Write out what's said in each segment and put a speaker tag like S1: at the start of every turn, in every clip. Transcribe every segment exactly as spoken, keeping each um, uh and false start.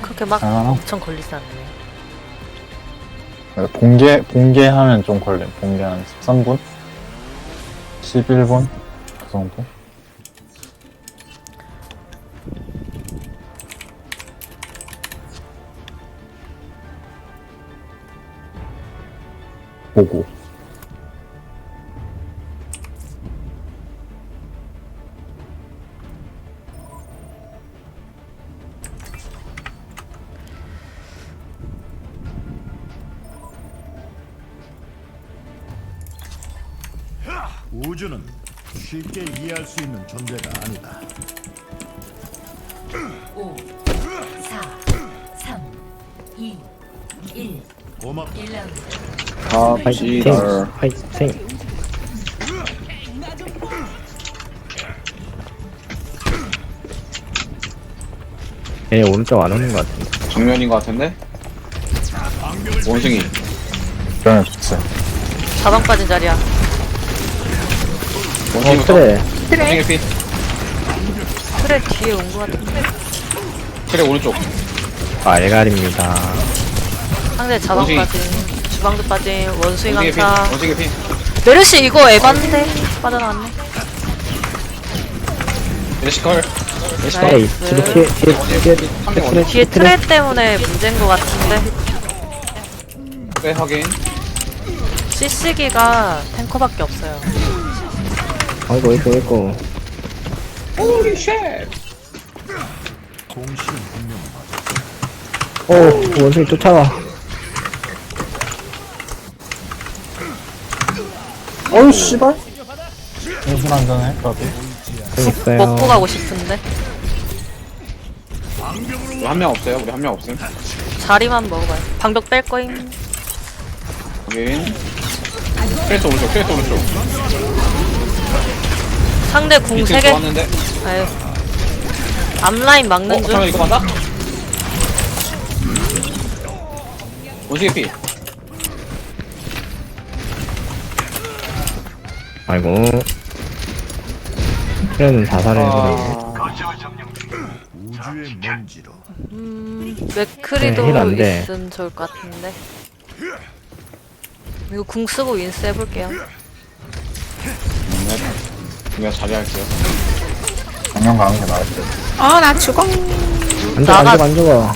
S1: 그렇게 막
S2: 아,
S1: 엄청 걸리지 않네.
S2: 봉개, 봉개하면 좀 걸려. 봉개 한 십삼 분? 십일 분? 그 정도? 보고.
S3: 우주는 쉽게 이해할 수 있는 존재가 아니다.
S4: 오, 사, 삼, 이, 일.
S3: 고맙.
S4: 일 라운드.
S2: 아,
S5: 파이팅!
S2: 지랄.
S5: 파이팅! 얘 오른쪽 안 오는 것 같은데.
S6: 정면인 것 같은데? 원숭이.
S2: 그러면 좋지.
S1: 자방 빠진 자리야.
S6: 원숭이
S5: 어, 그래.
S6: 원숭이 피.
S1: 그래 뒤에 온 거 같은데.
S6: 그래 오른쪽.
S5: 알갈입니다.
S1: 상대 자방
S6: 원숭이.
S1: 빠진. 주방도 빠진. 원숭이
S6: 원숭이 피.
S1: 강타.
S6: 원숭이 피.
S1: 메르시 이거 에반데 빠져나왔네.
S6: 레시컬. 레시컬.
S5: 에이,
S1: 나이스.
S5: 뒤로 뒤에, 뒤에, 뒤에,
S6: 한명
S5: 뒤에,
S1: 뒤에 트레 때문에 문제인 거 같은데.
S6: 네 확인.
S1: 씨씨기가 탱커밖에 없어요.
S5: 아이고, 이거, 이거.
S6: 호리 쉣.
S3: 공신 분명
S5: 오, 원숭이 쫓아와.
S2: 어우, 씨발. 무슨 한잔해, 나도.
S5: 좀 있어요.
S1: 먹고 가고 싶은데.
S6: 우리 한 명 없어요. 우리 한 명 없음.
S1: 자리만 먹어봐요. 방벽 뺄 거임.
S6: 확인. 크레스 오른쪽. 크레스 오른쪽.
S1: 상대 궁
S6: 비트
S1: 세 개.
S6: 좋았는데.
S1: 아유. 앞라인 막는
S6: 어
S1: 중.
S6: 잠깐 이거 맞나? 원숭이 피.
S5: 아이고. 그래는 자살을 해버리네.
S6: 아.
S3: 우주의 먼지로
S1: 음, 맥크리도
S5: 네, 힐안 돼.
S1: 있으면 좋을 것 같은데. 이거 궁 쓰고 윈스 해볼게요.
S6: 네. 내가 자리할게요.
S2: 정면 가는 게 나을 듯.
S7: 아, 나 죽어.
S5: 안 죽어,
S1: 나가-
S5: 안 죽어, 안 죽어.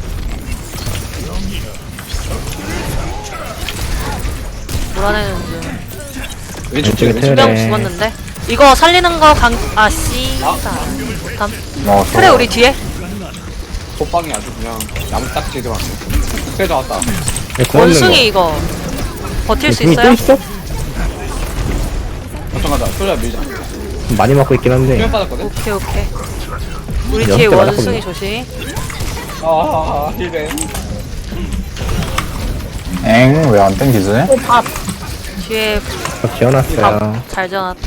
S1: 몰아내는 중.
S6: 왼쪽
S5: 왼쪽에
S6: 왼쪽.
S5: 트레.
S1: 두 명 죽었는데. 이거 살리는 거 강, 아, 씨. 다음.
S2: 뭐,
S1: 그래, 우리 뒤에.
S6: 호빵이 아주 그냥 나무 딱지 들어왔네. 그래 나왔다.
S5: 얘 궁 없는 거.
S1: 원숭이 이거. 버틸 수
S5: 궁이 또
S1: 있어요?
S5: 있어?
S6: 걱정하다. 소리야 밀자.
S5: 많이 맞고 있긴 한데.
S6: 수면 빠졌거든.
S1: 오케이, 오케이. 우리
S5: 여섯
S1: 뒤에
S5: 개
S1: 원숭이
S5: 맞았거든요.
S1: 조심.
S6: 아 힐베.
S2: 엥, 왜 안 땡기지?
S1: 뒤에
S5: 저 지어놨어요.
S1: 밥 잘 전화.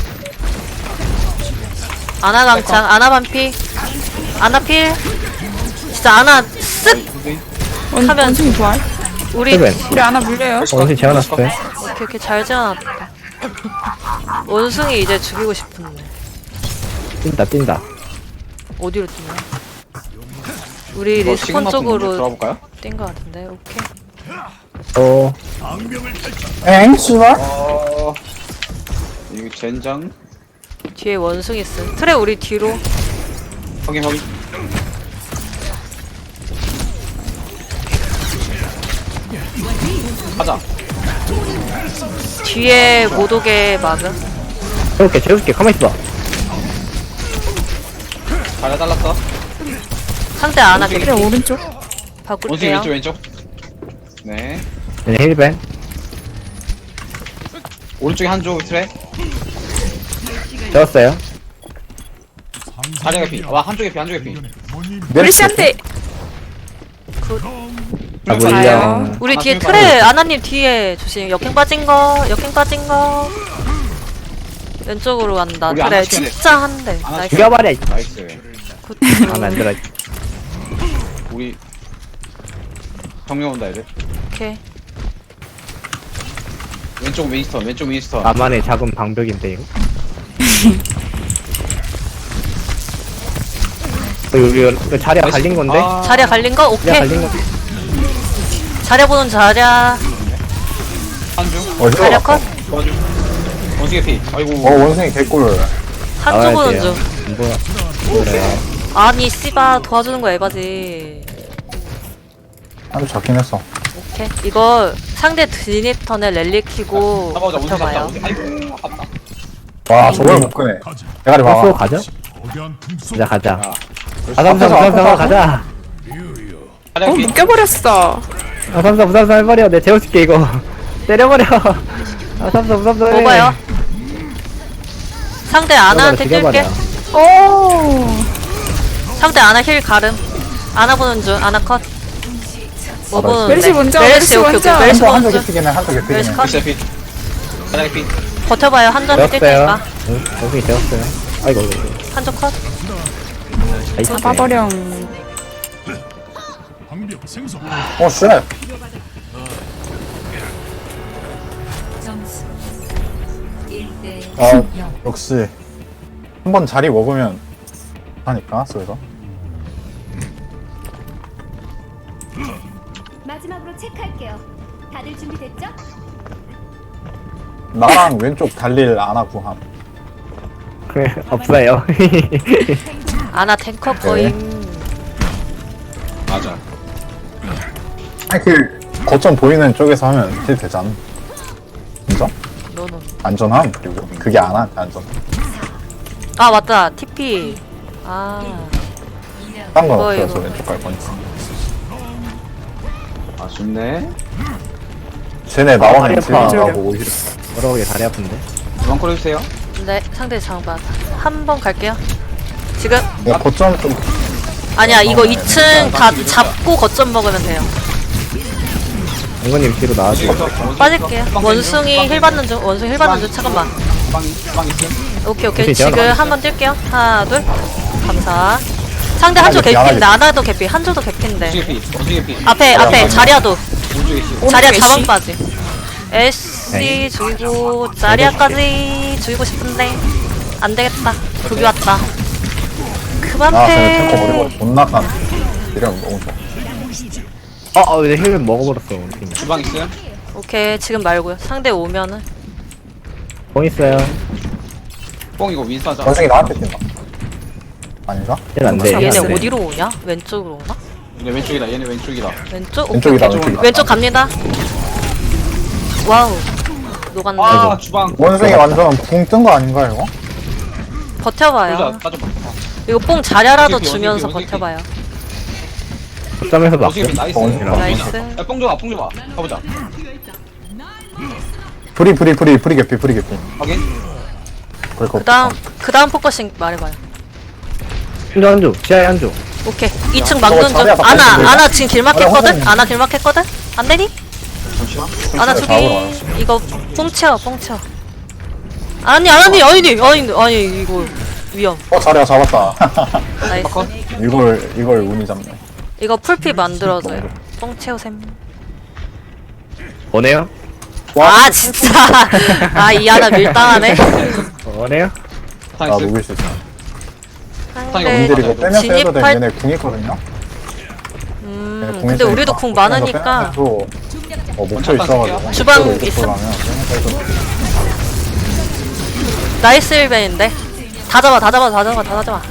S1: 아나 강창, 아나 반피. 아나 필. 진짜 아나 쓱!
S7: 원,
S1: 하면-
S7: 원숭이 부활.
S1: 우리
S5: 힐벤.
S7: 우리 하나 물려요.
S5: 원숭이 지어놨어요.
S1: 오케이 오케이 잘 지어놨다. 원숭이 이제 죽이고 싶은데
S5: 뛴다, 뛴다.
S1: 어디로 뛰냐? 우리
S6: 이거
S1: 리스폰
S6: 시그마 먼저
S1: 쪽으로
S6: 들어볼까요?
S1: 뛴 거 같은데. 오케이.
S5: 어,
S2: 엥, 씨발?
S6: 어 이거 젠장.
S1: 뒤에 원숭이 있음. 트레 우리 뒤로.
S6: 확인 확인. 가자.
S1: 뒤에 못 오게 막음.
S5: 재울게, 재울게. 가만히 있어.
S6: 가려 잘랐어.
S1: 상대 아나
S6: 원숭이.
S1: 개피.
S7: 그래, 오른쪽.
S6: 원숭이
S1: 바꿀게요.
S6: 왼쪽 왼쪽. 네.
S5: 얘네 힐벤.
S6: 오른쪽에 한쪽 트레.
S5: 재웠어요.
S6: 다리가 피. 와 한쪽에 피 한쪽에 피.
S7: 메르시한테.
S5: 아,
S6: 가요.
S5: 물려.
S1: 우리
S6: 아,
S1: 뒤에
S6: 그러니까
S1: 트레 아나님 뒤에 조심. 역행 빠진 거. 역행 빠진 거. 왼쪽으로 간다.
S6: 우리
S1: 트레
S6: 아나 시켜야 돼.
S1: 진짜 한대.
S6: 아나
S1: 나이스.
S5: 죽여버려.
S6: 나이스.
S1: 굿.
S5: 아, 만들어.
S6: 우리 정면 온다 애들.
S1: 오케이.
S6: 왼쪽 윈스턴 왼쪽 윈스턴.
S5: 나만의 작은 방벽인데, 이거. 이거, 이거 자리가 갈린 건데?
S6: 아,
S1: 자리야 갈린 거?
S5: 자리가
S1: 오케이.
S5: 갈린 거.
S1: 자리야 보는 자리야.
S6: 한중
S2: 어,
S1: 자리야
S2: 힐러
S1: 컷.
S6: 도와줘. 원숭이 피. 아이고.
S2: 어, 원숭이 개꿀.
S1: 한쪽 보는 중.
S5: 뭐야. 그래.
S1: 아니 씨바 도와주는 거 에바지.
S2: 아주 작긴 했어.
S1: 오케이. 이거 상대 드니턴에 랠리 키고
S6: 잡아보자. 원숭이 잡자.
S1: 버텨봐요.
S6: 원숭이. 아이고. 아깝다.
S2: 와, 저걸 못 끄네.
S3: 가자.
S2: 대가리
S5: 버스
S2: 봐봐.
S5: 가자?
S3: 거대한 틈속
S5: 가자, 가자.
S6: 야.
S5: 아삼삼,
S2: 앞에서,
S5: 부삼삼
S2: 앞에서.
S5: 가자.
S7: 어 묶여버렸어.
S5: 아삼삼, 부삼삼 해버려. 내 재워줄게, 이거. 때려버려. 아삼삼, 부삼삼 해.
S1: 먹어요. 상대 아나한테
S5: 죽여버려,
S1: 뛸게.
S7: 오.
S1: 상대 아나 힐 가름. 아나 보는 중. 아나 컷. 뭐 보는데?
S7: 멜시 먼저,
S1: 멜시
S7: 멜시
S1: 오케이
S7: 먼저.
S1: 오케이. 멜시
S2: 한쪽, 한쪽
S1: 보는 중.
S2: 개피긴 해, 한쪽 개피긴
S1: 멜시
S2: 해.
S1: 컷.
S6: 피 피. 가자 피.
S1: 버텨봐요. 한점 뛸
S5: 되었어요.
S1: 테니까.
S5: 응, 원숭이 되었어요. 아이고, 이거.
S1: 한쪽 컷.
S5: 나이스.
S7: 잡아버려.
S3: 방벽 생성.
S2: 어, 쉣.
S4: 점수 일 대
S2: 아,
S4: 영.
S2: 역시. 한 번 자리 먹으면 하니까, 쏘에서.
S8: 마지막으로 체크할게요. 다들 준비됐죠?
S2: 나랑 왼쪽 달릴 아나 구함.
S5: 그래, 없어요.
S1: 아나 탱커
S2: 네.
S1: 거임.
S6: 맞아.
S2: 아니, 그, 거점 보이는 쪽에서 하면 딜 되잖아. 진짜?
S1: 노노.
S2: 안전함, 그리고. 그게 아나한테 안전.
S1: 아 맞다. 티피. 아.
S2: 딴 건
S1: 이거,
S2: 없어서
S1: 이거.
S2: 왼쪽 갈 거니까.
S6: 아쉽네.
S2: 쟤네
S5: 다리
S2: 나오면
S5: 아파.
S2: 딜나가고 오히려.
S5: 여러 개 다리 아픈데.
S6: 원콜 해주세요.
S1: 네 상대 장반. 한 번 갈게요. 지금
S2: 야, 거점 좀.
S1: 아니야 이거 이 층 다 잡고 거점 먹으면 돼요.
S5: 장관님 뒤로 나와줘.
S1: 빠질게요. 원숭이 힐 받는 중. 원숭이 힐 받는 중. 잠깐만.
S6: 빵, 빵 있음.
S1: 오케이 오케이.
S5: 오케이,
S1: 지금
S5: 제가
S1: 한 번 뛸게요. 하나 둘. 감사. 상대 한쪽
S2: 개피,
S1: 개피인데
S2: 하나
S1: 아나도 개피. 한쪽도 개피인데.
S6: 원숭이 피. 원숭이 피.
S1: 앞에 앞에 자리야도.
S6: 오른쪽에 씨.
S1: 자리야
S7: 애쉬?
S1: 자반 빠지. 애쉬 죽이고 자리야까지 죽이고 싶은데 안 되겠다. 급이 왔다. 그만
S2: 아, 쟤네 탱커
S1: 패.
S2: 머리머리 존나 깐. 이러면 너무 좋아.
S5: 어, 어, 내 힐을 먹어버렸어. 원숭이.
S6: 주방 있음.
S1: 오케이 지금 말고요. 상대 오면은
S5: 공 있어요.
S6: 뽕 이거 윈스하자.
S2: 원숭이 나한테 뛴다. 아닌가?
S5: 힐안 돼.
S1: 얘네
S5: 힐안 돼.
S1: 어디로 오냐? 왼쪽으로 오나?
S6: 얘네 왼쪽이다. 얘네 왼쪽이다.
S1: 왼쪽?
S2: 왼쪽이다,
S1: 오케이, 오케이.
S2: 왼쪽이다.
S1: 왼쪽 갑니다. 와우 녹았네.
S6: 아 주방.
S2: 원숭이 완전 붕 뜬 거 아닌가, 이거?
S1: 버텨봐요.
S6: 보자. 빠져봐.
S1: 이거 뽕 자랴라도
S6: 원숭이,
S1: 주면서
S6: 원숭이, 원숭이.
S1: 버텨봐요.
S5: 점에서 막.
S6: 원숭이 피 나이스.
S2: 어, 원숭이
S1: 나이스.
S6: 야, 뽕 줘봐. 뽕 줘봐. 가보자.
S2: 프리, 프리, 프리, 프리 개피, 프리 개피.
S6: 확인.
S2: 그럴 거
S1: 그 다음 그 다음 포커싱 말해봐요.
S5: 한조 한조. 지하에 한조.
S1: 오케이 이 층 막는 중.
S2: 자리야,
S1: 아나
S2: 바꿔주세요.
S1: 아나 지금 길막했거든?
S2: 자리야,
S1: 아나 길막했거든? 안 되니?
S6: 잠시만.
S1: 아나
S2: 자리야,
S1: 저기
S2: 잡으러
S1: 이거 뽕쳐 뽕쳐. 아니 아니 아니 아니 아니 이거 위험.
S2: 어, 자리야, 잡았다.
S1: 나이스.
S2: 이걸, 이걸 운이 잡네.
S1: 이거 풀피 만들어줘요. 뽕 채우셈.
S5: 원해요?
S1: 아 진짜. 아 이 하나 밀당하네.
S5: 원해요?
S2: 아,
S6: 나이스.
S2: 녹일 수 있어.
S1: 상대
S2: 님들이 이거 빼면서 해도 돼.
S1: 진입할.
S2: 얘네 궁 있거든요?
S1: 음
S2: 얘네 궁
S1: 근데
S2: 있으니까.
S1: 우리도 궁
S2: 빼면서
S1: 많으니까.
S2: 빼면서 어, 뭉쳐
S6: 잠깐
S2: 있어가지고.
S1: 주방
S2: 이쪽으로, 이쪽으로
S1: 있음?
S2: 가면 빼면서 해도 돼.
S1: 나이스 일벤인데. 다 잡아 다 잡아 다 잡아 다 잡아.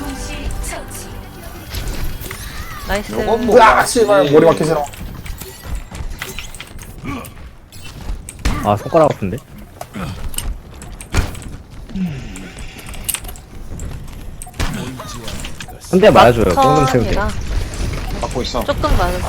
S1: 나이스.
S6: 요건 뭐-
S2: 으아, 씨발, 머리 막히 싫어.
S5: 아, 손가락 아픈데? 한 대 맞아줘요. 똥좀 채울게.
S1: 막턴이라
S6: 막고 있어.
S1: 조금 맞은.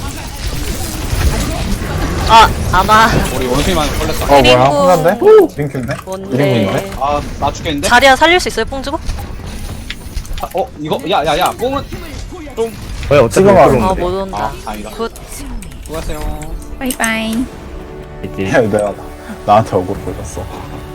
S1: 아 아마
S6: 우리 원숭이만 걸렸어.
S2: 어, 뭐야?
S1: 그리고-
S2: 혼난데? 링크인데?
S1: 뭔데?
S2: 이름인데?
S6: 아, 나 죽겠는데?
S1: 자리야 살릴 수 있어요 뽕 주고?
S6: 아, 어, 이거, 야, 야, 야, 뽕은 좀,
S5: 왜 어차피
S2: 지금
S5: 못
S2: 알아.
S1: 아
S5: 들어오는데.
S1: 못 온다.
S6: 아, 다행이다.
S1: 굿.
S6: 수고하세요.
S7: 바이바이.
S5: 있지.
S2: 내가 나한테 억울 보였어.